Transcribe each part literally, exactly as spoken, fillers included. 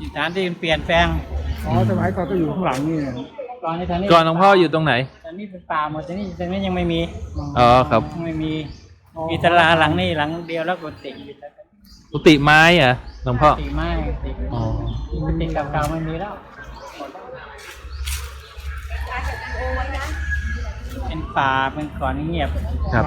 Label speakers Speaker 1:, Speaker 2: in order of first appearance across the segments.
Speaker 1: สถานที่เปลี่ยนแปลง
Speaker 2: อ๋อสมัยก่อนก็อยู่ข้างหลังนี่
Speaker 1: ก่อนในทางนี้
Speaker 3: ก่อนหลวงพ่ออยู่ตรงไหน
Speaker 1: ตอนนี้เป็นป่าหมดตอนนี้ตอนนี้ยังไม่มี
Speaker 3: อ๋อครับ
Speaker 1: ไม่มีมีตลาหลังนี่หลังเดียวแล้วกุฏิ
Speaker 3: กุฏิไม้อ่ะหลวงพ่อ
Speaker 1: กุฏิไม้
Speaker 3: อ๋อ
Speaker 1: กุฏิเก่าๆไม่มีแล้วเป็นป่าเป็นก่อนเงียบ
Speaker 3: ครับ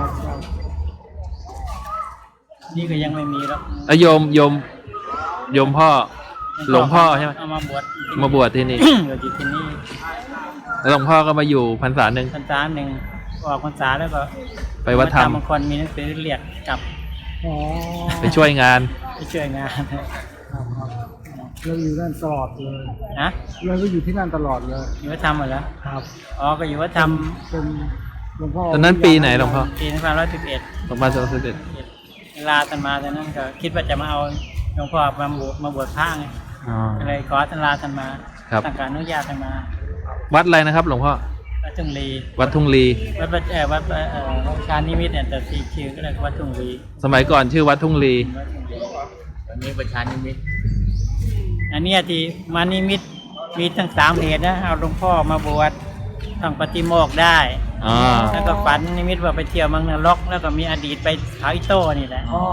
Speaker 1: นี่ก็ยังไม่มีแล้ว
Speaker 3: โยมโยมโยมพ่อหลวงพ่อใช่ไหม
Speaker 1: เอามาบวช
Speaker 3: มาบวชที่นี่
Speaker 1: บวชที่นี่
Speaker 3: แล้วหลวงพ่อก็มาอยู่พรรษาหนึ่ง
Speaker 1: พรรษาหนึ่งออกพรรษาแล้วก็
Speaker 3: ไปวัดธรรม
Speaker 1: บางคนมีหนังสือเรียกกลับ
Speaker 3: ไปช่วยงาน
Speaker 1: ไปช่วยงาน
Speaker 2: เราอยู่นั่นตลอดเลย
Speaker 1: นะ
Speaker 2: เราก็อยู่ที่นั่นตลอดเลย
Speaker 1: อยู่วัดธรรมเหรอครับอ๋อก็อยู่วัดธรรม
Speaker 2: เป็นหลวงพ่อ
Speaker 3: ตอนนั้นปีไหนหลวงพ่อ
Speaker 1: ปีสองพันร้อยสิบเอ็ด
Speaker 3: สองพันร้อยสิบเอ็ด
Speaker 1: เวลาท่านมาตอนนั้นก็คิดว่าจะมาเอาหลวงพ่อมาบวชมาบวชพระไงก็เลยขอท่านลาท่านมาตั้งการอนุญาตท่านมา
Speaker 3: วัดอะไรนะครับหลวงพ่อ
Speaker 1: วัดทุ่งลี
Speaker 3: วัดทุ่งลี
Speaker 1: วัดเออวัดเออชานิมิตเนี่ยแต่สีชื่อก็เลยวัดทุ่งลี
Speaker 3: สมัยก่อนชื่อวัดทุ่งลี
Speaker 1: ตอนนี้ประชานิมิตอันนี้ที่มานิมิตมีทั้งสามเหตุนะเอาหลวงพ่อมาบวชต้องปฏิโมกข์ได้แล้วก็ฝันนิมิตว่าไปเที่ยวเมืองนรกแล้วก็มีอดีตไปเขาอิโต้นี่แหละอ๋อ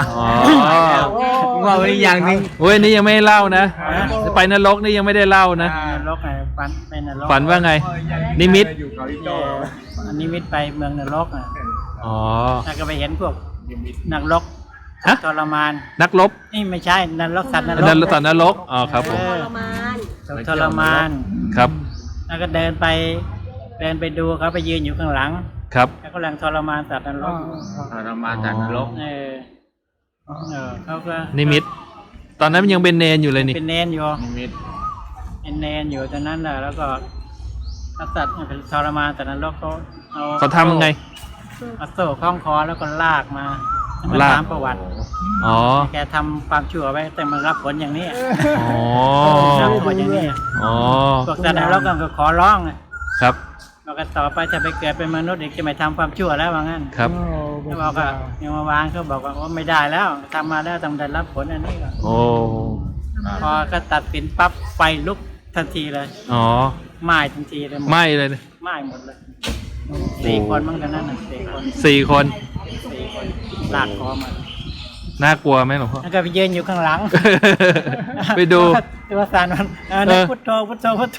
Speaker 3: ว่าไว้อย่างนึงโอ้ยนี่ยังไม่เล่านะไปนรกนี่ยังไม่ได้เล่านะ
Speaker 1: นรกไงฝันไปนรก
Speaker 3: ฝันว่าไงนิมิต
Speaker 1: นิมิตไปเมืองนรกอ่ะ
Speaker 3: อ๋อ
Speaker 1: แล้วก็ไปเห็นพวกนักรบทรมาน
Speaker 3: นักรบ
Speaker 1: นี่ไม่ใช่นรกสัตว์นรก
Speaker 3: นรกสัตว์นรกอ๋อครับผม
Speaker 1: ทรมานทรมาน
Speaker 3: ครับ
Speaker 1: แล้วก็เดินไปเดินไปดูเขาไปยืนอยู่ข้างหลัง
Speaker 3: ครับ
Speaker 1: แล้วก็กำลังทรมานสัตว์นรก
Speaker 3: ทรมานสัตว์นรก
Speaker 1: เออเออเขาก็
Speaker 3: นิมิตตอนนั้นยังเป็นเนนอยู่เลยนี่
Speaker 1: เป็นเนนอยู่นิมิตเป็นเนนอยู่ตอนนั้นแหละแล้วก็สัตว์เป็นทรมานสัตว์นรกเขาเอา
Speaker 3: เขาทำยังไง
Speaker 1: เอาโซ่คล้องคอแล้วก็ลากมาลากประวัติ
Speaker 3: อ๋อ
Speaker 1: แกทำความชั่วไว้แต่มันรับผลอย่างนี้
Speaker 3: อ๋อ
Speaker 1: รับผลอย่างนี้
Speaker 3: อ๋อ
Speaker 1: พวกสัตว์นรกก็ขอร้องครับเราก็ต่อไปจะไปเกิดเป็นมนุษย์อีกจะไม่ทำความชั่วแล้วว่างั้น
Speaker 3: ครับ
Speaker 1: เขาบอกว่ายังมาวางเขาบอกว่าไม่ได้แล้วทำมาแล้วต้องได้รับผลอันนี้ก็
Speaker 3: โอ้
Speaker 1: พอก็ตัดสินปั๊บไฟลุกทันทีเลย
Speaker 3: อ๋อ
Speaker 1: ไหม้ทันทีเลย
Speaker 3: ไหม้เลย
Speaker 1: ไหม้หมดเลยสี่คนมั้งตอนนั้นสี่คน
Speaker 3: สี่คน
Speaker 1: สี่คนลากคอมา
Speaker 3: น่ากลัวไหมหลวงพ่อ
Speaker 1: แล้วก็ไปยืนอยู่ข้างหลัง
Speaker 3: ไปดู
Speaker 1: ตัวสารมันนึกพุทโธพุทโธพุทโธ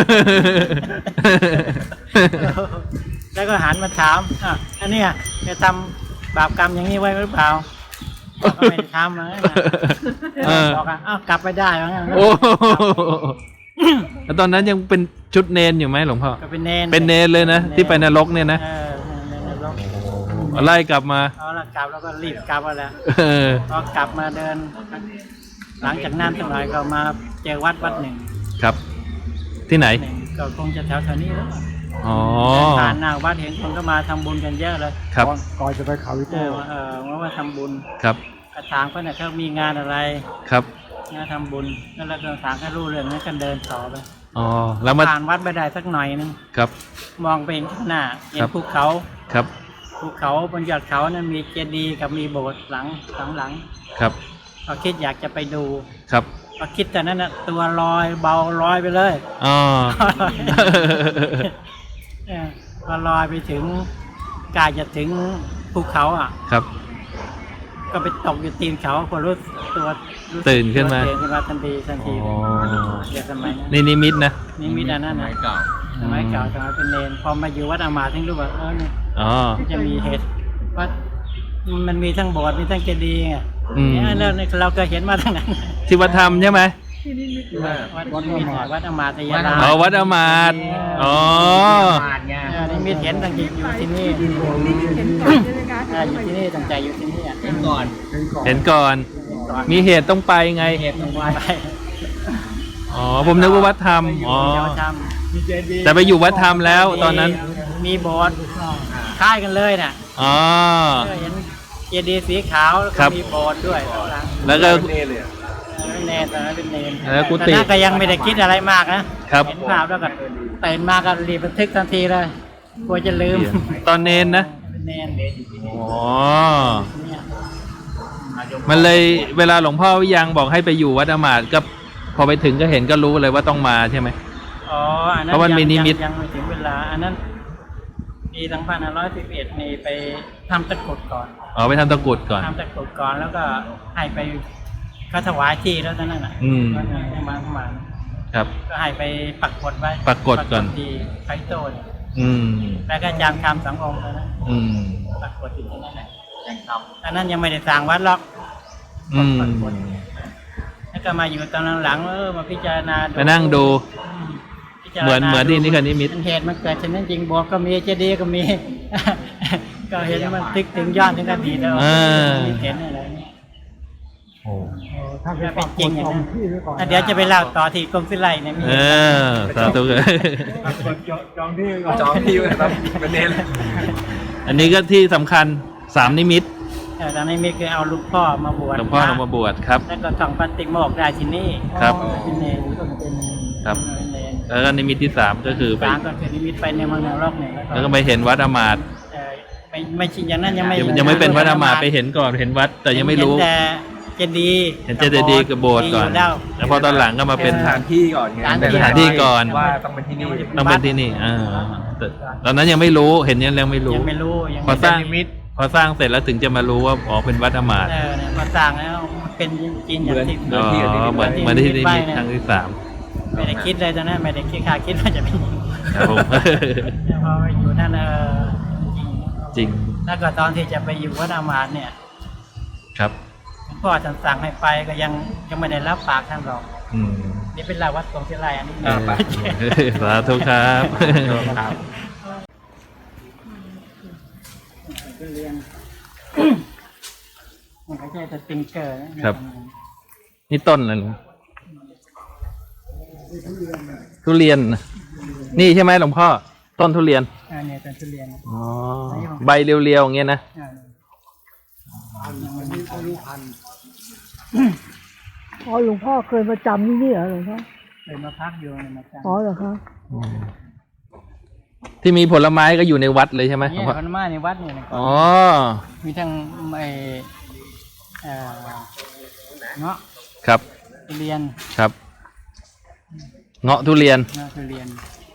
Speaker 1: แล้วก็หันมาถามอ่ะอันนี้จะทำบาปกรรมอย่างนี้ไว้หรือเปล่าก็ไม่ได้ทำนะบอกอ่ะอ้าวกลับไปได้แล้วงั้น
Speaker 3: โอ้แล้วตอนนั้นยังเป็นชุดเนนอยู่ไหมหลวงพ่อ
Speaker 1: เป็นเนน
Speaker 3: เป็นเนนเลยนะที่ไปนรกเนี่ยนะไล่กลับมา
Speaker 1: เอาละกลับแล้วก็รีบกลับมาแล้วพอกลับมาเดินหลังจากนั้นสักหน่อยก็มาเจอวัดวัดหนึ่ง
Speaker 3: ครับที่ไหน
Speaker 1: ก็คงจะแถวแถวนี้แล้ว
Speaker 3: อ๋อ
Speaker 1: ผ่านหน้าวัดเห็นคนก็มาทำบุญกันเยอะเลย
Speaker 3: ครับ
Speaker 2: ก่อนจะไปเขาวิโต้
Speaker 1: เออว่าว่าทำบุญ
Speaker 3: ครับ
Speaker 1: กระถางเขาเนี่ยเขามีงานอะไร
Speaker 3: ครับ
Speaker 1: งานทำบุญแล้วเราก็ถางให้รู้เรื่องนั้นกันเดินต่อไป
Speaker 3: อ๋อแล้วมา
Speaker 1: ผ่านวัดไปได้สักหน่อยนึง
Speaker 3: ครับ
Speaker 1: มองไปเห็นข้างหน้าเห็นภูเขา
Speaker 3: ครับ
Speaker 1: ภูเขาบนยอดเขานั้นมีเจดีย์กับมีโบสถ์หลังหลังหลัง
Speaker 3: ครับ
Speaker 1: พอคิดอยากจะไปดู
Speaker 3: ครับ
Speaker 1: พอคิดแต่นั้นน่ะตัวลอยเบาลอยไปเลย
Speaker 3: อ๋อ
Speaker 1: พอลอยไปถึงกายจะถึงภูเขาอ่ะ
Speaker 3: ครับ
Speaker 1: ก็ไปตกอยู่ตีนเขาพอรู้ตัว
Speaker 3: ตื่นขึ้นมา
Speaker 1: ตื่นขึ้นมาทันทีทันทีเดี๋ยวสมัยนั้น
Speaker 3: นี่นิมิตนะ
Speaker 1: นิมิตอันนั้นนะเก่าสมัยเก่าสมัยเป็นเนรพอมาอยู่วัดอามาถึงรู้ว่าเออเนี่ยจะมีเหตุว่ามันมีทั้งโบสถ์มีทั้งเจดีย์ไงแล้วเราก็เห็นมาทั้งนั้น
Speaker 3: ที่วัดธรรมใช่ไหม
Speaker 1: วัดนิมิตวัดอามาตยาลา
Speaker 3: อ๋อวัดอามาตอ๋อ
Speaker 1: นิมิตเห็นตั้งใจอยู่ที่นี่อยู่ที่นี่ตั้งใจอยู่ที่นี่เห็นก่อน
Speaker 3: เห็นก่อนมีเหตุต้องไปไง
Speaker 1: เหตุต้องไป
Speaker 3: อ๋อผมนึกว่าวัดธรรมอ๋อแต่ไปอยู่วัดธรรมแล้วตอนนั้น
Speaker 1: มีโบสถ์คล้ายกันเลยน่ะ
Speaker 3: อ๋อ
Speaker 1: เห็นเจดีย์สีขาวแล้วก็มีโบสถ์ด้วย
Speaker 3: แล้วก็
Speaker 1: เนรตอนนั้นเป็นเนร
Speaker 3: แล้วกุฏิ
Speaker 1: ก็ยังไม่ได้คิดอะไรมากนะครับเห็นภาพแล้วก็ตื่นมาก็รีบบันทึกทันทีเลยกลัวจะลืม
Speaker 3: ตอนเนรนะ
Speaker 1: เป็นเนร
Speaker 3: อ๋อมันเลยเวลาหลวงพ่อวิยังบอกให้ไปอยู่วัดอามาตย์ก็พอไปถึงก็เห็นก็รู้เลยว่าต้องมาใช่ไหม
Speaker 1: อ๋ออันนั้น
Speaker 3: เพราะมันมีนิมิต
Speaker 1: ยังยังไม่ถึงเวลา อันนั้นปีสองพันห้าร้อยสิบเอ็ดนี่ไปทำตะกรุดก่อน
Speaker 3: อ๋อไปทำตะกรุดก่อน
Speaker 1: ทำตะกรุดก่อนแล้วก็ให้ไปเขาถวายที่แล้วตอนนั้นน่ะ
Speaker 3: อืม
Speaker 1: ก็ให้มาประมาณ
Speaker 3: ครับ
Speaker 1: ก็ให้ไปปักกดไว้
Speaker 3: ปักกฎก่อน
Speaker 1: ที่ไคโตเนี่ย
Speaker 3: อืม
Speaker 1: แล้วก็อาจารย์คำสององค์แล้วนะ
Speaker 3: อืม
Speaker 1: ปักกดอยู่ที่นั่นแหละยังทำอันนั้นยังไม่ได้สร้างวัดหรอก
Speaker 3: อืม
Speaker 1: ปักกฎแล้วก็มาอยู่ตอนหลังๆเออมาพิจารณา
Speaker 3: มานั่งดู
Speaker 1: อืมพิจารณา
Speaker 3: เหมือนเหมือนที่นี่คือนิมิต
Speaker 1: เหตุมันเกิดฉะนั้นจริงบอกก็มีเจดีย์ก็มี ก็เห็นมันตึกถึงยอดถึงอดีตแล้ว
Speaker 3: อ่า
Speaker 1: มีเห็นอะไรเนี่ย
Speaker 3: โอ้
Speaker 2: ถ้าเป็นปักกฎสองที่ไว้ก่อน
Speaker 1: อ่ะเดี๋ยวจะไปเล่าต่อที่กรมศิลป์เนี่ยมี
Speaker 3: เออสาธุเลย
Speaker 2: ปักกฎจองที่ไว้ก่อน
Speaker 4: จองที่ไว้ครับเป็นเน้นเลย
Speaker 3: อันนี้ก็ที่สำคัญสามนิมิต
Speaker 1: เออตอนนี้มีคือเอาลูกพ่อมาบวช
Speaker 3: หลวงพ่อเรามาบวชครับ
Speaker 1: แล้วก็ส่องปฏิโมกข์ได้ที่นี่
Speaker 3: ครับ
Speaker 1: เป็นเนรก็เป็น
Speaker 3: ครับ
Speaker 1: เป็นเนร
Speaker 3: แล้วก็นิมิตที่สามก็คือไป
Speaker 1: สามก็คือนิมิตไปในเมืองนรกเนี่ย
Speaker 3: แล้วก็ไปเห็นวัดอมาตย์
Speaker 1: เออไม่ไม่ชินอย่างนั้นยังไม่
Speaker 3: ยังยังไม่เป็นวัดอมาตย์ไปเห็นก่อนเห็นวัด แต่ยังไม่รู้
Speaker 1: เห็นแต่เจดีย์
Speaker 3: เห็นเจดีย์กับโบสถ์ก่อน
Speaker 1: มียู่แล้ว
Speaker 3: แล้วพอตอนหลังก็มาเป็น
Speaker 4: สถานที่ก่อนไง
Speaker 3: เป็นสถานที่ก่อน
Speaker 4: ว่าต้องเป็นที่นี่
Speaker 3: ต้องเป็นที่นี่อ่าแต่ตอนนั้นยังไม่รู้เห็นยังยังไม่รู้
Speaker 1: ยังไม่รู้ยัง
Speaker 3: พอ
Speaker 1: ไม่
Speaker 3: สร้างพอสร้างเสร็จแล้วถึงจะมารู้ว่าอ๋อเป็นวัดอมาตย์
Speaker 1: เออเนี่ยพอสร้างแล้วมันเป็นจริงๆอย่างที่
Speaker 3: อ๋อเหมือนเหมือนที่นิมิตครั้งที่สาม
Speaker 1: ไม่ได้คิดเลยตอนนั้นไม่ได้คิดค่าคิดว่าจะเป็นอย่างนี้
Speaker 3: ครับผม
Speaker 1: แต่พอไปอยู่นั่นเออจริง
Speaker 3: จริง
Speaker 1: แล้วก็ตอนที่จะไปอยู่วัดอามาตย์เนี่ย
Speaker 3: ครับ
Speaker 1: หลวงพ่อท่านสั่งให้ไปก็ยังยังไม่ได้รับปากท่านหรอก
Speaker 3: อืม
Speaker 1: นี่เป็นลาวัดกรมศิลป์อันนี้
Speaker 3: เออสาธุครับ
Speaker 4: ครับ
Speaker 1: เรียนมันไม่ใช่สติงเกอร์นะครับ
Speaker 3: นี่ต้นอะไรลุงทุเรียน นี่ใช่ไหมหลวงพ่อ ต้นทุเรียน
Speaker 1: อ่าเนี่ยเป็นทุเรียน
Speaker 3: อ๋อ ใบเรียวๆอย่างเงี้ยนะ
Speaker 1: อ่า
Speaker 2: อันนี้อายุพัน
Speaker 5: อ๋อหลวงพ่อเคยมาจำที่นี่เหรอหลวงพ่อ
Speaker 1: เลยมาพักอยู่ในมาจัน
Speaker 5: อ๋อเหรอคะ
Speaker 3: ที่มีผลไม้ก็อยู่ในวัดเลยใช่ไหมหลว
Speaker 1: เนี่
Speaker 3: ง
Speaker 1: ย
Speaker 3: พ่อ
Speaker 1: คนมาในวัดเนี่ยนะ
Speaker 3: อ๋อ
Speaker 1: มีทั้งไอเอ่อเงาะ
Speaker 3: ครับ
Speaker 1: ทุเรียน
Speaker 3: ครับ เงาะทุเรียน
Speaker 1: เงาะทุเรียน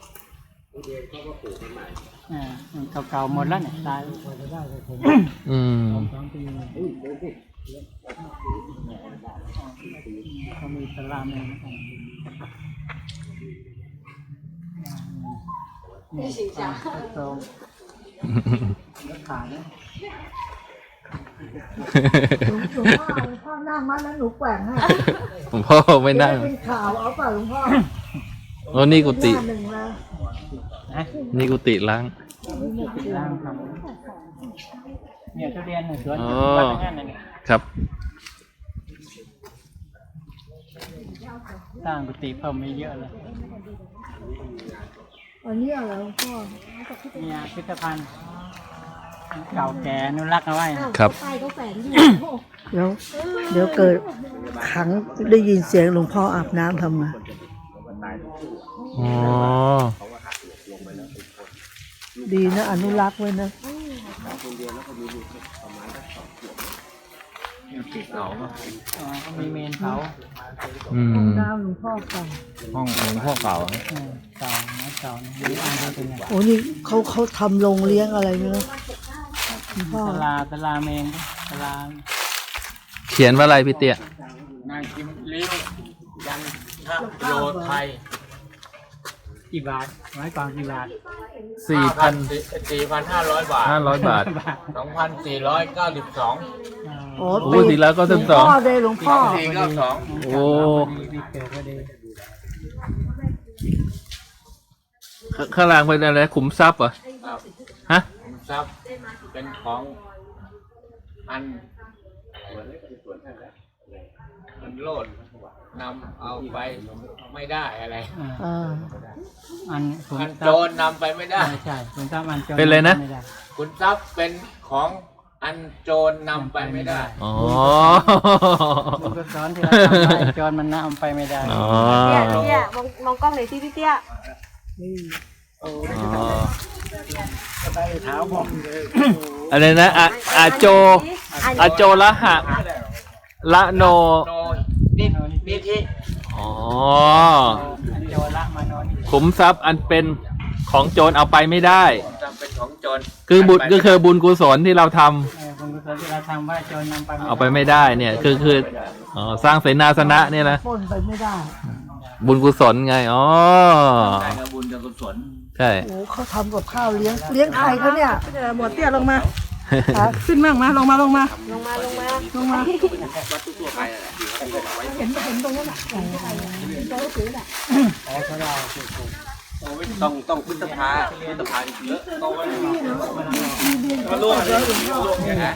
Speaker 1: อ่าเก่าๆหมดแล้วเนี่ยตาย
Speaker 3: อืม
Speaker 1: เขามีสลามเองนี่ตามตรงขายนะ
Speaker 5: หลวงพ่อหลวงพ่อนั่งมาแล้วหนูแกว่งให้
Speaker 3: หลวงพ่อไม่นั่ง
Speaker 5: เป็นข่าวเอาเปล่าหลวงพ่อ
Speaker 3: โอ้นี่กุฏิ
Speaker 5: หน้าหนึ่งแล้ว
Speaker 1: นะ
Speaker 3: นี่กุฏิล้าง
Speaker 1: ล่างครับเนี่ยทุเรียนเนี่ยสวน
Speaker 3: อ๋อ
Speaker 1: วัดทั้งนั้นเนี่ย
Speaker 3: ครับ
Speaker 1: สร้างกุฏิเพิ่มไม่เยอะเลย
Speaker 5: อันนี้เหรอหลวงพ่อ
Speaker 1: เนี่ยพิพิธภัณฑ์เก่าแก่อนุรักษ์เอาไว้
Speaker 3: ครับ
Speaker 5: ป้ายเขาแฝงอยู่เดี๋ยวเดี๋ยวเกิดขังได้ยินเสียงหลวงพ่ออาบน้ำทำไง
Speaker 3: อ๋อ
Speaker 5: ดีนะอนุรักษ์ไว้นะ
Speaker 1: อ๋อเขามีเมนเผา
Speaker 3: อืม
Speaker 5: น้ำหลวงพ่อเก่า
Speaker 4: ห้องหลวงพ่อเก่า
Speaker 1: เออเก่านะเก่านะนี่อ่านดูเป็นไง
Speaker 5: โอ้นี่เขาเขาทำโรงเลี้ยงอะไรเนอะหลวงพ่อ
Speaker 1: ตลาตลาเมนตลา
Speaker 3: เขียนว่าอะไรพี่เตี้ย
Speaker 1: นายกิมลิ้วยันทะโยไทยกี่บาทไว้ก่อนกี่บาท
Speaker 3: สี่พัน
Speaker 6: สี่พันห้าร้อยบาท
Speaker 3: ห้าร้อยบาท
Speaker 6: สองพันสี่ร้อยเก้าสิบสอง
Speaker 5: โอ้
Speaker 3: โอ้สี่แล้วก็สิบสอง
Speaker 5: หลวงพ่อเลยหลวงพ่อ
Speaker 6: สี่เก้าสอง
Speaker 3: โอ้
Speaker 1: ดีเกิดพอดี
Speaker 3: ขข้างล่างเป็นอะไรขุมทรัพย์เหรอ
Speaker 6: ครับ
Speaker 3: ฮะ
Speaker 6: ขุมทรัพย์เป็นของอันอันโลดนำเอาไปไม่ได้อะไร
Speaker 1: อ่า
Speaker 5: อ่า
Speaker 1: อันขุ
Speaker 6: อัน
Speaker 1: ท
Speaker 6: โจ
Speaker 1: รัพ
Speaker 6: ร
Speaker 1: ย์
Speaker 6: นำไปไม่ได้
Speaker 1: ใช่ใช่ขุนทรัพย์อันโจร
Speaker 3: เป็นอะไรนะ
Speaker 1: ม่ด้
Speaker 6: ขุนทรัพย์เป็นของอันโจรนำไปไม่ได้
Speaker 3: อ๋อ
Speaker 1: มันก็สอนที่เราทำได้โจรมันนำไปไม่ได้
Speaker 3: อ๋อ
Speaker 7: เตี้ยเตี้ยมองมองกล้องหน่อยสิพี่เตี้ย
Speaker 3: อ๋อ
Speaker 2: ได้เท้าผมเลย
Speaker 3: อะไรนะอะอาโจ อาโจละหะ ละโน
Speaker 6: โนนินิธิ
Speaker 3: อ๋ออ๋อ
Speaker 1: โจรละมานอน
Speaker 3: ขุมทรัพย์อันเป็นของโจรเอาไปไม่ได้
Speaker 6: จำเป็นของโจร
Speaker 3: คือบุญก็คือบุญกุศลที่เราทำ
Speaker 1: เออบุญกุศลที่เราทำว่าโจรนำไป
Speaker 3: เอาไปไม่ได้เนี่ยคือคืออ๋อสร้างเสนาสนะเนี่ยนะ
Speaker 5: ปล้นไปไม่ได้
Speaker 3: บุญกุศลไงอ๋อ
Speaker 6: ได้กับบุญกับกุศล
Speaker 3: ใช่
Speaker 5: โอ้เขาทำกับข้าวเลี้ยงเลี้ยงใครเขาเนี่ยเออหมวดเตี้ยลงมาอ่ะขึ้นมั่งมาลงมาลงมา
Speaker 7: ลงมาลงมา
Speaker 5: ลงมา
Speaker 6: วัดทั่วไปแหละที่เขาเอาไว้
Speaker 5: เห็นเห็นตรงนั้นอ่ะเห็นอะไรอ่ะเห็นตัวหนังสือน่ะ
Speaker 6: ต้องต้องพุทธภาพุทธภาเยอะโตไว้มาล่วงเลยล่วงเนี่ยนะ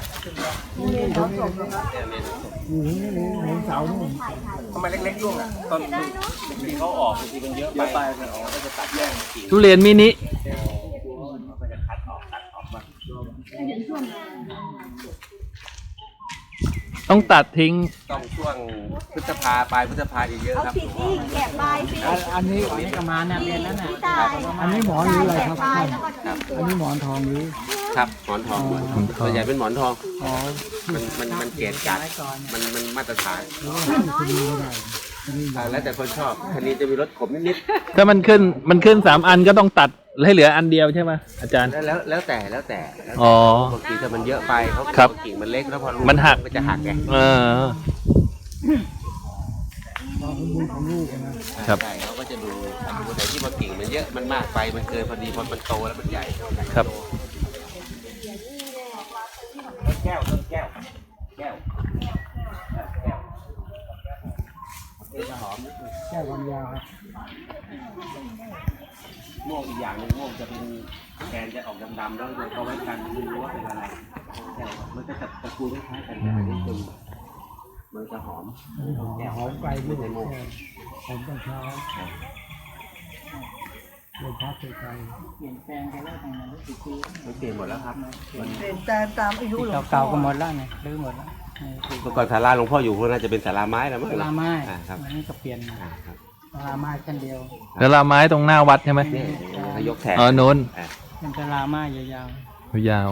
Speaker 2: อยู่นี่นี่เห็นเสานี่
Speaker 6: ทำไมเล็กๆล่วงอ่ะตอนที่เขาออกบางทีมันเยอะไปมันออกก็จะตัดแยกกิ่ง
Speaker 3: ทุเรียนมินิ
Speaker 6: ก็จะคัดออกตัดออกมา
Speaker 3: ต้องตัดทิ้ง
Speaker 6: ต้องช่วงพฤษภาปลายพฤษภาเยอะ
Speaker 7: เอา
Speaker 6: ครับ
Speaker 7: ผิดนี่แกะปลายสิ
Speaker 2: อันอันนี้
Speaker 1: อันนี้ก็มาเนี่ยเรียนแล้วน่ะ
Speaker 7: พี่ตาย
Speaker 2: อันนี้หมอนหรืออะไรครับ
Speaker 7: แกะปลายแล้วก็ทิ้งตัว
Speaker 2: อันนี้หมอนทองหรือ
Speaker 6: ครับหมอนทอง
Speaker 3: หมอนทอง
Speaker 6: ส่วนใหญ่เป็นหมอนทอง
Speaker 2: อ๋อ
Speaker 6: มันมันมันเกรดจัดมันมันมาตรฐาน
Speaker 2: คดีไม่ได้คดี
Speaker 6: อ่าแล้วแต่คนชอบคันนี้จะมีรสขมนิด
Speaker 3: ถ้ามันขึ้นมันขึ้นสามอันก็ต้องตัดให้เหลืออันเดียวใช่ไหมอาจารย์
Speaker 6: ๆแล้วแล้วแล้วแต่แล้วแต่แล้วแต่
Speaker 3: อ๋อ
Speaker 6: บางทีถ้ามันเยอะไปเขา
Speaker 3: ครับ
Speaker 6: กิ่งมันเล็กแล้วพอลู
Speaker 3: มันหัก
Speaker 6: ก็จะหักไง
Speaker 3: เออ
Speaker 2: ความสมบูรณ์ของลูกนะครับ
Speaker 6: ใช่เขาก็จะดูดูแต่ที่พอกิ่งมันเยอะมันมากไปมันเกินพอดีพอมันโตแล้วมันใหญ่
Speaker 3: ครับ
Speaker 6: แก้วต้นแก้วแก้วแก้วจะหอม
Speaker 2: แก้ความยาวครับ
Speaker 6: ม่วงอีกอย่างหนึงม่วงจะเป็นแกนจะออกดำๆแล้วเขาไว้กันไม่รู้ว่าเป็นอะไรใช่ครับมันจะตระกูลคล้ายๆกันแต่อันนี้เป็นมันจะหอม
Speaker 2: หอมหอมไกลด้วยหอมตอนเช้าเดินพักไกล
Speaker 1: เปลี่ยนแปลงไปแล้วทางนั้นรู้สึกดี
Speaker 6: มันเปลี่ยนหมดแล้วครับมัน
Speaker 5: เปลี่ยนแปลงตามอายุหลวงพ่อ
Speaker 1: เก่าๆก็หมดแล้วเนี่ยรื้อหมดแล้ว
Speaker 6: เมื่อก่อนศาลาหลวงพ่ออยู่พวกน่าจะเป็นศาลาไม้แล้วมั้ง
Speaker 1: ลาไม้
Speaker 6: อ่าครับ
Speaker 1: อันนี้ก็เปลี่ยน
Speaker 6: อ่าครับ
Speaker 1: ลาไม้ชั้นเดียว
Speaker 3: แล้วลาไม้ตรงหน้าวัดใช่ไหม
Speaker 6: เนี่ยเขายกแถบ
Speaker 3: อ๋อนู้น
Speaker 6: อ่า
Speaker 1: เป็นตลาไม้ยาว
Speaker 3: ยาว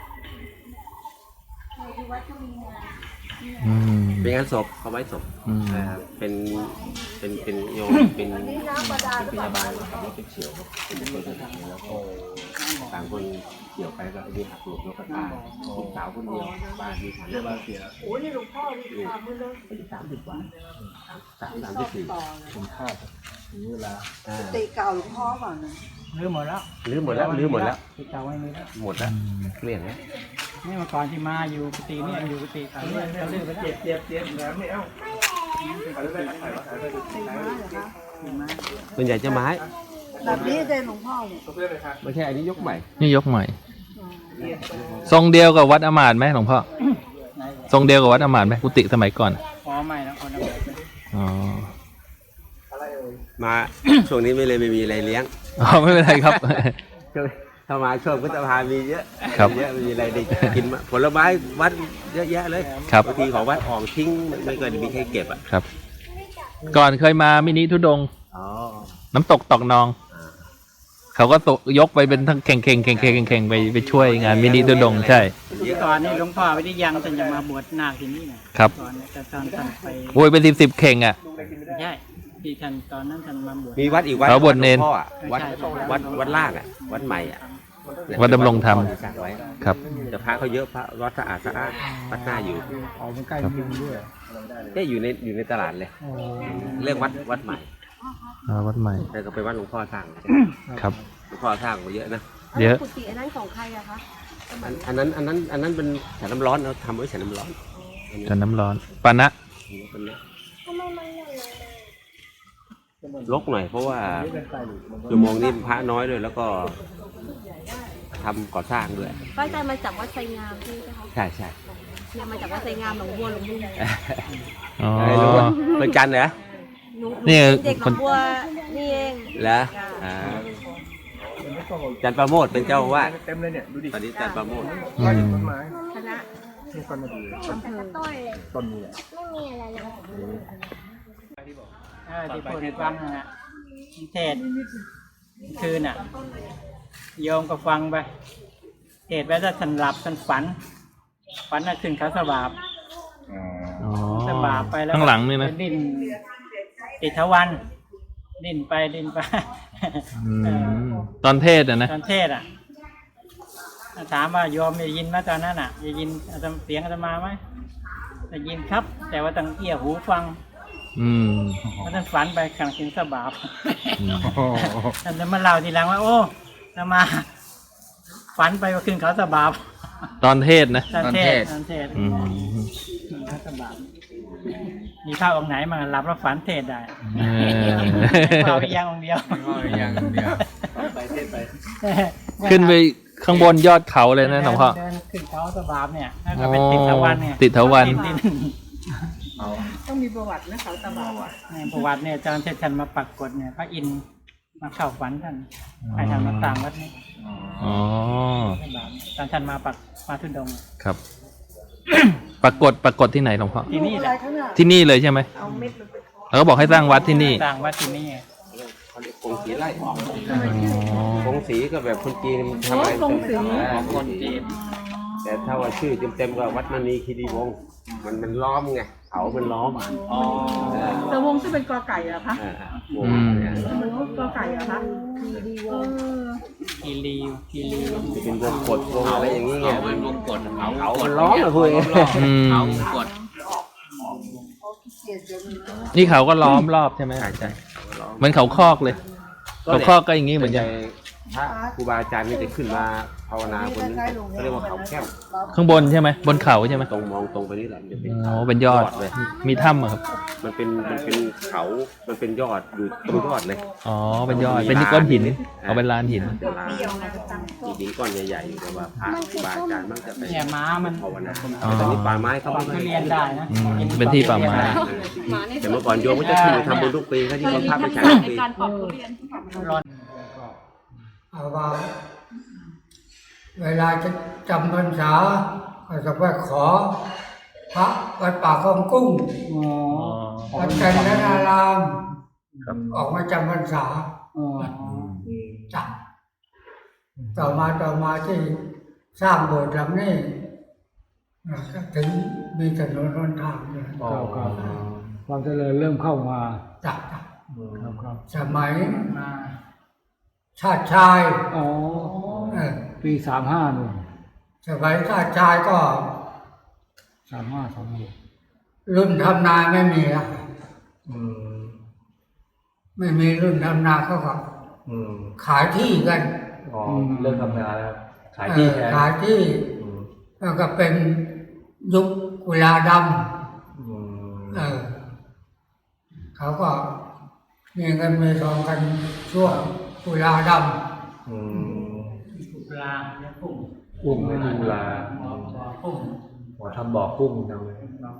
Speaker 3: อืม
Speaker 6: เป็นงานศพเขาไว้ศพ
Speaker 3: อืม
Speaker 6: นะครับเป็นเป็นเป็นโยมเป็นเป็นพยาบาลขับรถไปเฉียวครับเป็นคนจะทำแล้วก็ต่างคนเฉียวไปก็มีหักหลบแล้วก็ตายลูกสาวคนเดียวบ้านมีฐานะบ้านเสีย
Speaker 5: โอ้ยนี่หลวงพ่อนี่ทำเลยเลย
Speaker 6: อายุสามสิบกว่าสามสามสิบสี่
Speaker 2: คุณค่าถึงเวลา
Speaker 6: อ่า
Speaker 5: ตีเก่าหลวงพ่อก่อนนะ
Speaker 1: ๆรื้อหมดแล้ว
Speaker 6: ลื้อหมดแล้วลื้อหมดแล้ว
Speaker 1: ที่เก่าไม่มีแล้ว
Speaker 6: หมดแล้วเกลี้ยงแล้ว
Speaker 1: นี่เมื่อก่อนที่มาอยู่ปกติเนี่ยอยู่ปกติเขาเนี่ยเขาลื้อไปแล้ว
Speaker 2: เจ็บเจ็บเจ็บแล้วไม่เอา
Speaker 6: ส่วนใหญ่จะไม้
Speaker 5: แบบนี้ได้หลวงพ่อเนี่ย
Speaker 6: ไม่ใช่อันนี้ยกใหม่
Speaker 3: นี่ยกใหม่ ทรงเดียวกับวัดอมาตย์ไหมหลวงพ่อ
Speaker 1: ไหน
Speaker 3: ทรงเดียวกับวัดอมาตย์ไหมกุฏิสมัยก่อน
Speaker 1: พอไม่แล้วคนละแบบ
Speaker 3: อ๋อ
Speaker 6: มา ช่วงนี้ไม่เลยไม่มีอะไรเลี้ยง
Speaker 3: อ๋อไม่เป็นไรครับ
Speaker 6: ถ้ามาช่วงพุทธภามีเยอะ
Speaker 3: ครับ
Speaker 6: เยอะมีอะไรได้กินมาผลไม้วัดเยอะแยะเลย
Speaker 3: ครับ
Speaker 6: บางทีของวัดออกทิ้งไม่เคยมีใครเก็บอ่ะ
Speaker 3: ครับ ก่อนเคยมามินิทุดงค์
Speaker 6: อ๋อ
Speaker 3: น้ำตกตอกนอง เขาก็ตกยกไปเป็นทั้งแข่งแข่งแข่งแข่งแข่งไปไปช่วยงานมินิทุดงค์ใช่
Speaker 1: เมื่อก่อนนี่หลวงพ่อวิริยังท่านจะมาบวชนาคที่นี่นะครับ ตอนแต่ตอนท่านไป
Speaker 3: โอ้ยเป็นสิบสิบเข่งอ่ะ
Speaker 1: ไม่ใช่ที่ท่านตอนนั้นท่านมาบวช
Speaker 6: มีวัดอีกวัด
Speaker 3: เขาบวชเนร
Speaker 6: หลวงพ่ออะวัดวัดวัดล่างอ่ะวัดใหม่อ่ะ
Speaker 3: วัดดำรงธรรม
Speaker 6: สร้างไว้
Speaker 3: ครับ
Speaker 6: แต่พระเขาเยอะพระวัดสะอาดสะอาดวัดหน้าอยู่
Speaker 2: ออกมันใกล้เมืองด้วย
Speaker 6: เนี่ยอยู่ในอยู่ในตลาดเลย
Speaker 2: อ๋อ
Speaker 6: เรียกวัดวัดใหม่
Speaker 3: อ่าวัดใหม่
Speaker 6: แต่ก็เป็นวัดหลวงพ่อสร้าง
Speaker 3: ครับ
Speaker 6: หลวงพ่อสร้างมาเยอะนะ
Speaker 3: เยอะ
Speaker 7: กุฏิอันนั้นของใครอะคะ
Speaker 6: อันอันนั้นอันนั้นอันนั้นเป็นฉันน้ำร้อนเราทำไว้ฉันน้ำร้อน
Speaker 3: จนน้ำร้อนปานะ
Speaker 6: ลกหน่อยเพราะว่าชั่วโมงนี้พระน้อยด้วยแล้วก็ทำก่อสร้างด้วย
Speaker 7: ป้าใจมาจากวัดไซงามใช่ไหมคะ
Speaker 6: ใช่ใช่
Speaker 7: เนี่ยมาจากวัดไซงามหนองบัวหลวงลุง
Speaker 3: อ๋อ
Speaker 6: ไอ้รู้ว่าเป็นจันทร์เหรอ
Speaker 7: หนู
Speaker 3: นี่
Speaker 7: เด็กหนองบัวนี่เอง
Speaker 6: แล้วอ่าจันทร์ประโมทเป็นเจ้าอาวาด
Speaker 2: เต็มเลยเนี่ยดูดิ
Speaker 6: ตอนนี้จันทร์ประโมท
Speaker 3: อืม
Speaker 2: ต้นไม้
Speaker 7: คณะ
Speaker 2: นี่ต้นมะเดื่อ
Speaker 7: อำเภอต้น
Speaker 2: ต้นนี้แหละ
Speaker 1: เออที่พูดให้ฟังนะฮะเทศคืนน่ะ โยมก็ฟังไปเทศไปถ้าท่านหลับท่านฝัน ฝันน่ะขึ้นเขาสบาบ
Speaker 3: อ๋อ
Speaker 1: สบาบไปแล้ว
Speaker 3: ข้างหลังนี่นะ
Speaker 1: ไปดิ้นติดทวันดิ้นไปดิ้นไป
Speaker 3: อื
Speaker 1: เออ
Speaker 3: มตอนเทศอ่ะนะ
Speaker 1: ตอนเทศอ่ะถามว่าโยมได้ยินไหมตอนนั้นอ่ะได้ยินอาตมาเสียงอาตมาไหมได้ยินครับ แต่ว่าต้องเอี่ยหูฟัง
Speaker 3: อืม
Speaker 1: เพราะท่านฝันไปขังสิงสบาบ
Speaker 3: อืม
Speaker 1: ท่านจะมาเล่าทีหลังว่า โอ้อาตมา ฝันไปว่าขึ้นเขาสบาบ
Speaker 3: ตอนเทศนะ
Speaker 1: ตอนเทศตอนเทศ
Speaker 3: อืม
Speaker 1: เขาสบาบมีข้าวองค์ไหนมาหลับแล้วฝันเทศได้
Speaker 3: เออ
Speaker 1: ข้าวเพียงองค์เดียว
Speaker 4: อย่างเดียว
Speaker 6: ไปเทศไป
Speaker 3: ขึ้นไปข้างบนยอดเขาเลยนะหลวงพ่อ
Speaker 1: เดินขึ้นเขาสบาบเนี่ยแล้วก็เป็นติดทวันเนี่ย
Speaker 3: ติดทวัน
Speaker 1: ติด
Speaker 7: ต้องมีประวัตินะเขาตะบา
Speaker 1: เนี่ยประวัติเนี่ยอาจารย์เทศชันมาปรากฏเนี่ยพระอินทร์มาเข้าฝันท่านให้ท่านมาต่างวัดนี้
Speaker 3: อ๋อ
Speaker 1: ตอนท่านมาปักมาทุดงค์
Speaker 3: ครับ ปรากฏปรากฏที่ไหนหลวงพ่อ
Speaker 1: ที่นี่แหละ
Speaker 3: ที่นี่เลยใช่ไหมแล้วก็บอกให้สร้างวัดที่นี่
Speaker 1: ต่างวัดที่นี่
Speaker 6: เขาเรียกกงสีไล่
Speaker 3: อ๋อ
Speaker 6: กงสีก็แบบคนจีนมันทำอะไรกงสี
Speaker 1: ของคนจีน
Speaker 6: แต่ถ้าว่าชื่อเต็มๆก็วัดมณีคีรีวงศ์มันมันล้อมไงเขามันล้อม
Speaker 1: อ๋อ
Speaker 7: แต่วงที่เป็นกอไก่อะคะ
Speaker 6: อ่าวงเนี่ย
Speaker 7: มันกอไก่อะคะ
Speaker 1: กีรีวกีรีว
Speaker 6: จะเป็นวงกดวงอะไรอย่างนี้ไง
Speaker 4: เป็นวงกดเขา
Speaker 6: เขามันล้อมอะคุย
Speaker 3: อืม
Speaker 4: เขากด
Speaker 3: นี่เขาก็ล้อมรอบใช่ไหม
Speaker 6: ใช่ใช่
Speaker 3: เหมือนเขาคอกเลย เขาคอกก็อย่างนี้เหมือนกัน
Speaker 6: พระครูบาอาจารย์นี่จะขึ้นมาภาวนาบนนี้เขาเรียกว่าเขาแก้ว
Speaker 3: ข้างบนใช่ไหมบนเขาใช่ไหม
Speaker 6: ตรงมองตรงไปนี่แหละมันจะเป็น
Speaker 3: อ๋อเป็นยอด
Speaker 6: เลย
Speaker 3: มีถ้ำเหรอครับ มัน
Speaker 6: เป็นมันเป็นเขา มันเป็นยอดอยู่ตรงยอดเลย
Speaker 3: อ๋อเป็นยอดเป็นก้อนหินเอาเป็นลานหิน
Speaker 6: เป็นลานมีหินก้อนใหญ่ๆอยู่แต่ว่าพระครูบาอาจารย์มักจะไป
Speaker 1: เนี่ยม้ามัน
Speaker 6: ภาวนา
Speaker 3: อ๋อ
Speaker 6: แต่ตอนนี้ป่าไม้เขา
Speaker 1: ปอก
Speaker 6: ไม่
Speaker 1: ทุเรียนได้นะ
Speaker 3: อืมเป็นที่ป่าไม้
Speaker 6: แต่เมื่อก่อนโยมก็จะขึ้นไปทำบุญทุกปีเขาที่เขาพาไปฉันทุกปี
Speaker 7: การปอกทุเรียน
Speaker 1: ร้อน
Speaker 2: เอาว่าเวลาจะจำพรรษาก็จะไปขอ พระวัดป่าคลองกุ้ง
Speaker 1: อ๋อ
Speaker 2: วัดจันทนาราม
Speaker 3: ครับ
Speaker 2: ออกมาจำพรรษา
Speaker 1: อ๋อ
Speaker 2: จับต่อมาต่อมาที่สร้างโบสถ์หลังนี้นะก็ถึงมีถนนหนทางเลย
Speaker 8: ครับครับความเจริญเริ่มเข้ามา
Speaker 2: จับจับ
Speaker 8: ครับครับ
Speaker 2: สมัย
Speaker 1: มา
Speaker 2: ชาติชาย
Speaker 8: อ๋อ
Speaker 2: เออ
Speaker 8: ปีสามห้าหนึ่ง
Speaker 2: สมัยชาติชายก็
Speaker 8: สามห้าสามหก
Speaker 2: รุ่นทำนาไม่มีแล้ว
Speaker 8: อืม
Speaker 2: ไม่มีรุ่นทำนาเขาก็
Speaker 8: อืม
Speaker 2: ขายที่กัน
Speaker 8: อ๋อเริ่มทำงานแล้ว
Speaker 2: เออขายที่แล้วก็เป็นยุคกุลาดำเออเขาก็มีเงินมีทองกันช่วงกุลาด
Speaker 8: อืม
Speaker 1: ปลาและกุ้ง
Speaker 8: กุ้งไม่ดูลา
Speaker 1: หมอกุ้ง
Speaker 8: หมอทำบ่อกุ้งจังเลย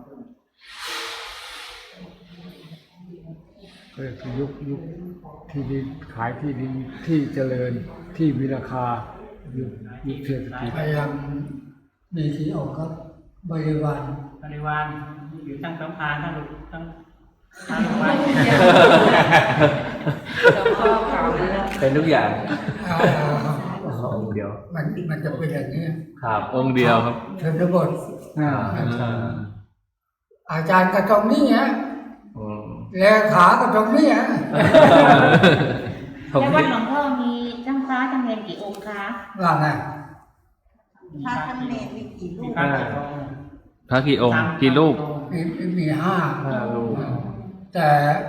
Speaker 8: ก็คือยุคยุคที่ดินขายที่ดินที่เจริญที่มีราคายุคยุคเศรษฐกิจ
Speaker 2: ำพยายามมีที่ออกครับบริวาร
Speaker 1: บริวารอยู่ทั้งสำพานทั้งลูกทั้งทั้งวัด
Speaker 8: เป็นทุกอย่าง
Speaker 2: เอ่อ
Speaker 8: องเดียว
Speaker 2: มันมันจะเป็นอย่างนี้
Speaker 3: ครับองค์เดียวครับ
Speaker 2: ชนบท
Speaker 8: อ่า
Speaker 2: อาจารย์ก็ตรงนี้ฮะ
Speaker 8: อืม
Speaker 2: เลขาก็ตรงนี้ฮะ
Speaker 3: ผม
Speaker 9: แล้ววัดหลวงพ่อมีจ้างฟ้าจ้างเงินกี่องค์คะ
Speaker 2: ว่าไง
Speaker 7: พระท่านเนรมีกี่รู
Speaker 1: มี
Speaker 7: ป
Speaker 1: พระกี่องค์
Speaker 3: พระกี่องค์กี่รูป
Speaker 2: มีมีห้า
Speaker 8: ห้าลูก
Speaker 2: แต่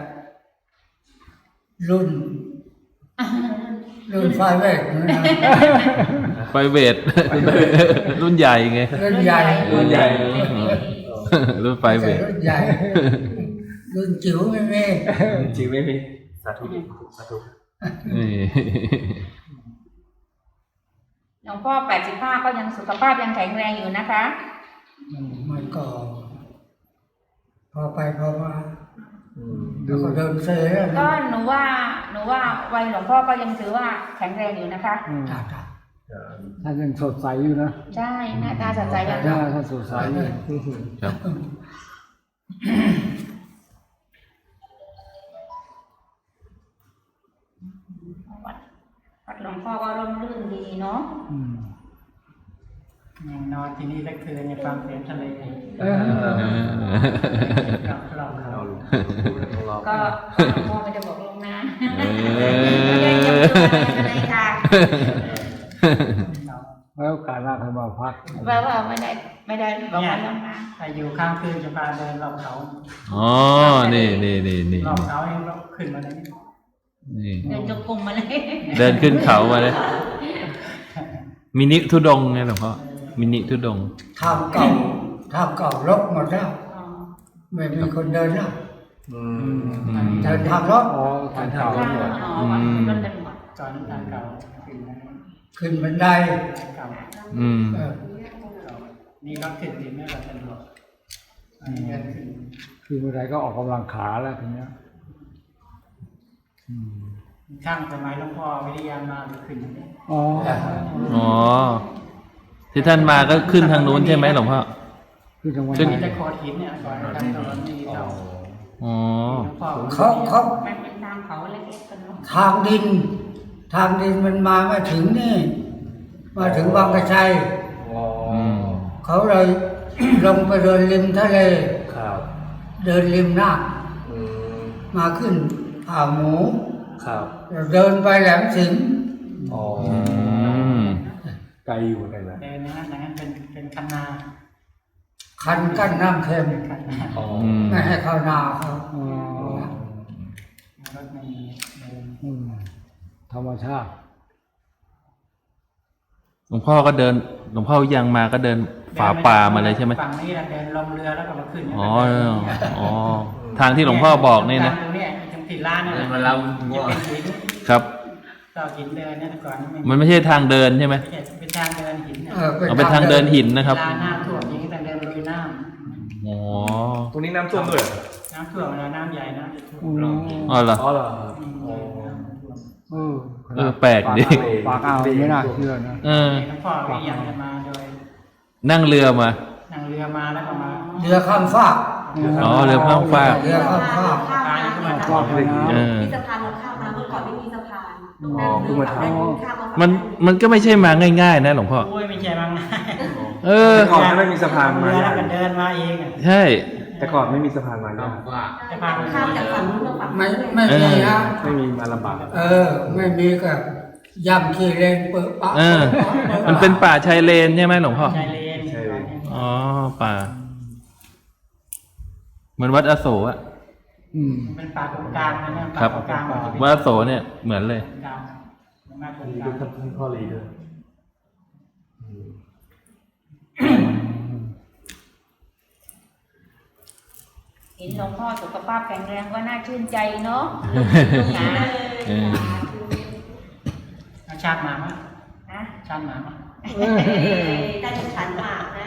Speaker 2: รุ่น รุ่นไฟเวกนะ
Speaker 3: ไฟเวท รุ่นใหญ่ไง
Speaker 2: รุ่นใหญ่
Speaker 3: รุ่นใหญ่รุ่นไฟเวท
Speaker 2: รุ่นใหญ่ รุ่นจิ๋วไม่มี
Speaker 8: จริงไม่มีสาธุสาธุ
Speaker 3: นี่
Speaker 9: หลวงพ่อแปดสิบห้าก็ยังสุขภาพยังแข็งแรงอยู่นะคะ
Speaker 2: มันก็ พอไปพอมาแล้วก็เดินเซ่
Speaker 9: ก็หนูว่าหนูว่าวัยหลวงพ่อก็ยังถือว่าแข็งแรงอยู่นะคะ
Speaker 2: จ้าจ้า
Speaker 8: ท่านยังสดใสอยู่นะ
Speaker 9: ใช่หน้าตาสดใสแบบ
Speaker 8: หน้า
Speaker 9: นี้
Speaker 8: ท่านสดใสอยู่
Speaker 3: ครับ
Speaker 9: วัดวัดหลวงพ่อก็ร่มรื่นดีเนาะ
Speaker 8: อืม
Speaker 1: ยังนอนที่นี่สักคืนในฟังเสียงทะเล
Speaker 8: เออ
Speaker 1: กับเราเขา
Speaker 8: ลอง
Speaker 9: ก็หลวงพ่อไม่ได้บอกลวงหน้า
Speaker 3: เอ
Speaker 9: ไม่ได้เตรียมตัวอะไรค่ะ
Speaker 8: ไว้โอกาสหน้าค่อยมาพัก
Speaker 9: แปลว่าไม่ได้ไม่ได้บอกว่าลวงหน้า
Speaker 1: ถ้าอยู่ข้างคืนจะพาเดินรอบเขา
Speaker 3: อ๋อ นี่นี่นี่นี่
Speaker 1: รอบเขาเองรอบขึ้นมาเลย
Speaker 3: นี่
Speaker 9: เดินจงกรมมาเลย
Speaker 3: เดินขึ้นเขามาเลย มินิทุดงค์ไงหลวงพ่อ มินิทุดงค์
Speaker 2: ทางเก่าทางเก่ารกหมดแล้วไม่มีคนเดินแล้ว
Speaker 4: อืม
Speaker 3: อืม
Speaker 2: เดินทางรถ
Speaker 8: อ๋อทานข้าว
Speaker 9: อ๋อ
Speaker 8: หมด
Speaker 9: อ๋อรถกันหมด
Speaker 1: ก่อนน้ำตาลเก่าขึ้นมา
Speaker 2: ขึ้นบันได
Speaker 1: เก่า
Speaker 3: อืม
Speaker 2: เออ
Speaker 1: นี่รถขึ้นดินไม่รถสะดวกอันนี้เดินขึ้น
Speaker 8: คือเมื่อไรก็ออกกำลังขาแล้วทีเนี้ยอืม
Speaker 1: ช่างสมัยหลวงพ่อวิริยามาจะขึ้นอย่างนี้
Speaker 8: อ๋อ
Speaker 3: อ๋อ ที่ท่านมาก็ขึ้นทางนู้นใช่ไหมหลวงพ่อ
Speaker 8: คือทางวัน
Speaker 3: ขึ้น
Speaker 8: ไห
Speaker 1: มี
Speaker 8: น
Speaker 1: แต่โคดหินเนี่ยก่อนทำตอนนี้เก่า
Speaker 3: อ๋อ
Speaker 1: หลวงพ่อ
Speaker 2: เขาเขา
Speaker 9: มันเป็นทางเขาเล็กๆกันเนาะ
Speaker 2: ทางดิน ทางดินมันมาไม่ถึงนี่ มาถึงบางกระชัย
Speaker 3: อืม
Speaker 2: เขาเลย ลงไปเดินริมทะเล
Speaker 4: ครับ
Speaker 2: เดินริมน้
Speaker 4: อืม
Speaker 2: ำมาขึ้นอ่าวหมู
Speaker 4: ครับ
Speaker 2: เดินไปแหลมสิงห์
Speaker 4: อ๋อ
Speaker 3: อืม
Speaker 8: ไกลอยู่กันนะ
Speaker 1: เดินนะอย่างนั้นเป็นเป็นคันนา
Speaker 2: คันกั้นน้ำเค็ม
Speaker 1: คันนา
Speaker 4: อ๋อ
Speaker 3: อืม
Speaker 2: ไม่ให้เข้านาเขา
Speaker 8: อ๋อ
Speaker 1: รถไม่มีเดิน
Speaker 8: อืมธรรมชาติ
Speaker 3: หลวงพ่อก็เดิน หลวงพ่อยังมาก็เดินฝ่าป่ามาเลยใช่ไหม
Speaker 1: ฝั่งนี้นะเดินลงเรือแล้วก็มาขึ้น
Speaker 3: อ๋อ อ๋อ ทางที่หลวงพ่อบอกนี่นะ
Speaker 1: ตรงนี้ตรงที่ร้านนั่นแหละ
Speaker 4: มันเรา
Speaker 1: จะเป็นหิน
Speaker 3: ครับ
Speaker 1: ก็หินเดินเนี่ยแต่ก่อนนี่
Speaker 3: มันไม่ใช่ทางเดินใช่ไหม
Speaker 1: ไม่ใช่เป็นทางเดินหิน
Speaker 2: เออ
Speaker 3: เอาเป็นทางเดินหินนะครับ
Speaker 1: เวลาน้ำท่วมอย่างนี้ต้องเดินลุยน้
Speaker 3: อ๋อ
Speaker 4: ตรงนี้น้ำท่วมด้วยเหรอ
Speaker 1: ำน้ำท่วมเวลาน้ำใหญ่น้ำจะท่วม
Speaker 8: อืม
Speaker 3: อ๋อเหรอ
Speaker 4: อ๋อเหรอ
Speaker 1: อืม
Speaker 4: อ๋อ
Speaker 8: เออ
Speaker 3: เออแปลกดิ
Speaker 8: ปากอ่าวไม่น่าเชื่อนะ
Speaker 3: เออ
Speaker 1: หลวงพ่อวิริยังจะมาโดย
Speaker 3: นั่งเรือมา
Speaker 1: นั่งเรือมาแล้วก็มา
Speaker 2: เรือข้ามฟาก
Speaker 3: อ๋อ เรือข้ามฟาก
Speaker 2: เรือข้ามฟาก
Speaker 1: พาขึ้นมา
Speaker 8: ฟาก
Speaker 1: ทำ
Speaker 8: เลยนะ
Speaker 3: เออ
Speaker 7: มีสะพานเราข้ามมาเมื่อก่อนไม่มีสะพาน
Speaker 4: อ๋อเพิ่งมาทำ
Speaker 7: ข้ามมา
Speaker 3: มัน มันก็ไม่ใช่มาง่ายๆนะหลวงพ่อ
Speaker 1: โอ้ยไม่ใช่มั้งนะ
Speaker 3: เออ
Speaker 4: แต่ก่อนไม่มีสะพานมา
Speaker 1: เรือแล้วก็เดินมาเองอะ
Speaker 3: ใช่
Speaker 4: แต่ก่อนไม่มีสะพานมาเนี่ย
Speaker 1: จะพา
Speaker 7: ข้ามจากฝั่งนู้นมาฝั่ง
Speaker 2: ไม่
Speaker 7: นี้
Speaker 2: ไม่มีนะ
Speaker 4: ไม่มีมาลำบาก
Speaker 2: เออ ไม่มีก็ย่ำขี้เลนเปิดปะ
Speaker 3: เออ มันเป็นป่าชายเลนใช่ไหมหลวงพ่อ
Speaker 1: ชายเลน
Speaker 3: อ๋อ ป่า เหมือนวัดอโศกอะ
Speaker 8: อืม
Speaker 1: เป็นป่าตรงกลางนะเนี่ย
Speaker 3: ครั
Speaker 1: ป่า
Speaker 3: บ
Speaker 1: ตรงกลางมันจะเป็น
Speaker 3: วัดอโศกเนี่ยเหมือนเลย
Speaker 1: กลางมาตรง
Speaker 4: มี
Speaker 1: กลาง
Speaker 4: ท่านท่านพ่อรีด้วย
Speaker 9: เห็นหลวงพ่อสุขภาพแข็งแรงก็น่าชื่นใจเนาะ
Speaker 3: เออ
Speaker 1: เอาชาติหมามั้ย
Speaker 9: นะ
Speaker 1: ชาติหมามั้ย
Speaker 7: ได้ฉันมากนะ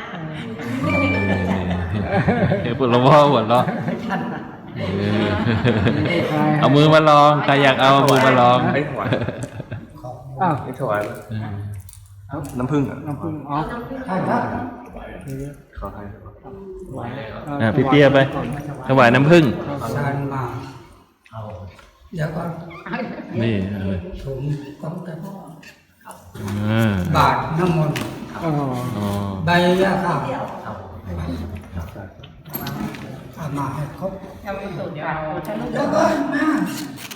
Speaker 3: เดี๋ยวหลวงพ่อหัวเราะ
Speaker 1: ชาติหมา
Speaker 3: เออเอามือมาลอง ใครอยากเอาเอามือมาลอง
Speaker 4: ไม่ถวาย
Speaker 8: อ้าว
Speaker 4: ไม่ถวาย
Speaker 3: เออ
Speaker 4: น้ำผึ้งอ่ะ
Speaker 8: น้ำพึ่งอ๋อ
Speaker 2: ใช่ครับ
Speaker 4: ขอให้
Speaker 3: อ่ะพี่เตี้ยไป ถวายน้ำผึ้ง
Speaker 2: ชานมาเดี๋ยวก็
Speaker 3: นี่เอาเลย
Speaker 2: ถุงของแต่พ่อ
Speaker 3: อ่า
Speaker 2: บาทน้ำมนต์
Speaker 8: อ๋อ
Speaker 3: อ๋อ
Speaker 2: ใบยาข้าวเอามาให้ครบ
Speaker 1: เอาไปสูตรเดี๋ยวเอา
Speaker 2: แล้วก็มา